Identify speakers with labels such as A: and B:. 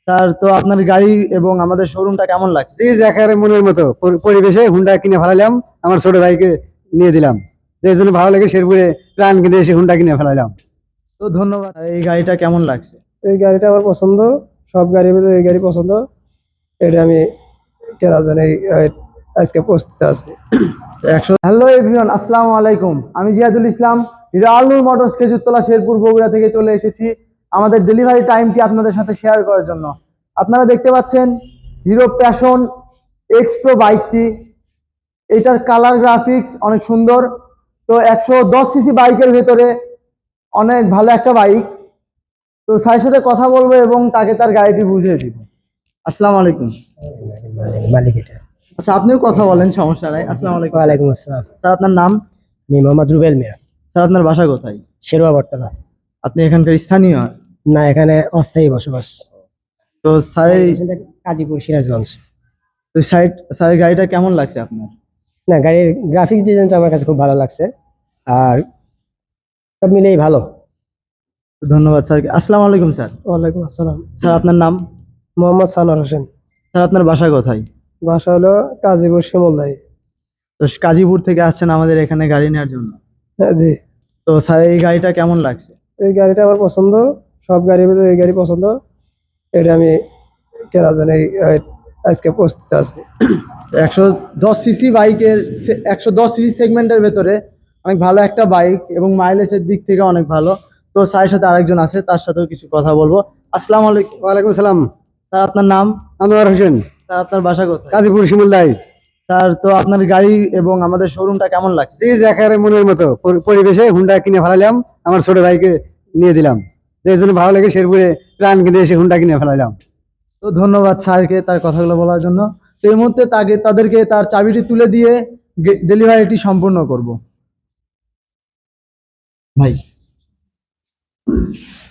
A: Sir, তো আপনার গাড়ি এবং আমাদের শোরুমটা কেমন লাগছে?
B: প্লিজ একেবারে মনের মতো পরিবেশে হুন্ডা কিনে ফেলাইলাম, আমার ছোট ভাইকে নিয়ে দিলাম, যে জন্য ভালো লাগে শেরপুরে প্রাণ কিনে এসে হুন্ডা কিনে ফেলাইলাম।
A: তো ধন্যবাদ। আর এই গাড়িটা কেমন লাগছে?
C: এই গাড়িটা আমার পছন্দ, সব গাড়ির ভিতরে এই গাড়ি পছন্দ। এটা আমি কেনার জন্য আজকে প্রস্তুত আছি।
A: হ্যালো এভরিওয়ান, আসসালামু আলাইকুম। আমি জিয়াদুল ইসলাম, হিরো আলনুর মোটরস খেজুরতলা শেরপুর বগুড়া থেকে চলে এসেছি আমাদের ডেলিভারি টাইমটি আপনাদের সাথে শেয়ার করার জন্য। আপনারা দেখতে পাচ্ছেন হিরো প্যাশন এক্স প্রো বাইকটি। এটার কালার গ্রাফিক্স অনেক সুন্দর। তো 110 সিসি বাইকের ভেতরে অনেক ভালো একটা বাইক। তো স্যারের সাথে কথা বলবো এবং তাকে তার গাড়িটি বুঝিয়ে দিব। আসসালামু আলাইকুম।
C: মালিক এটা।
A: আচ্ছা, আপনিও কথা বলেন, সমস্যা নাই। আসসালামু আলাইকুম।
C: ওয়ালাইকুম আসসালাম।
A: স্যার, আপনার নাম?
C: আমি মোহাম্মদ রুবেল মিয়া,
A: স্যার, আপনার বাসা কোথায়?
C: শেরবা বটতলা।
A: আপনি এখানকার স্থানীয়?
C: না, এখানে অস্থায়ী বসবাস।
A: তো স্যারের
C: কাজীপুর, সিরাজগঞ্জ।
A: তো স্যারের গাড়িটা কেমন লাগছে আপনার?
C: না, গাড়ির গ্রাফিক্স ডিজাইনটা আমার কাছে খুব ভালো লাগছে, আর সব মিলেই ভালো।
A: ধন্যবাদ স্যারকে। আসসালামু আলাইকুম স্যার।
C: ওয়ালাইকুম আসসালাম।
A: স্যার, আপনার নাম?
C: মোহাম্মদ সানোয়ার হোসেন।
A: স্যার, আপনার বাসা কোথায়?
C: বাসা হলো কাজীপুর, শিমুলদাই।
A: তো গাজীপুর থেকে আসছেন আমাদের এখানে গাড়ি নেওয়ার জন্য।
C: হ্যাঁ জি।
A: তো স্যার, এই গাড়িটা কেমন লাগছে?
C: এই গাড়িটা আমার পছন্দ, সব গাড়ির ভিতরে এই গাড়ি পছন্দ। এটা আমি কেনার জন্য আজকে প্রস্তুত আছি।
A: 110 সিসি বাইকের 110 সিসি সেগমেন্টের ভেতরে অনেক ভালো একটা বাইক এবং মাইলেজের দিক থেকে অনেক ভালো। তো স্যারের সাথে আরেকজন আছে, তার সাথেও কিছু কথা বলবো। আসসালামু আলাইকুম।
B: ওয়ালাইকুম সালাম।
A: স্যার, আপনার নাম?
B: আনোয়ার হোসেন,
A: স্যার, আপনার বাসা কোথায়?
B: কাজীপুর, শিমুলদাই।
A: স্যার, তো আপনার গাড়ি এবং আমাদের শোরুমটা কেমন লাগছে?
B: প্লিজ একেবারে মনের মতো পরিবেশে হুন্ডা কিনে ফেলাইলাম, আমার ছোট ভাইকে নিয়ে দিলাম, যে জন্য ভালো লাগে শেরপুরে প্রাণ কিনে এসে হুন্ডা কিনে ফেলাইলাম।
A: তো ধন্যবাদ স্যারকে তার কথাগুলো বলার জন্য। তো এই মুহূর্তে তাদেরকে তার চাবিটি তুলে দিয়ে ডেলিভারিটি সম্পূর্ণ করব। ভাই।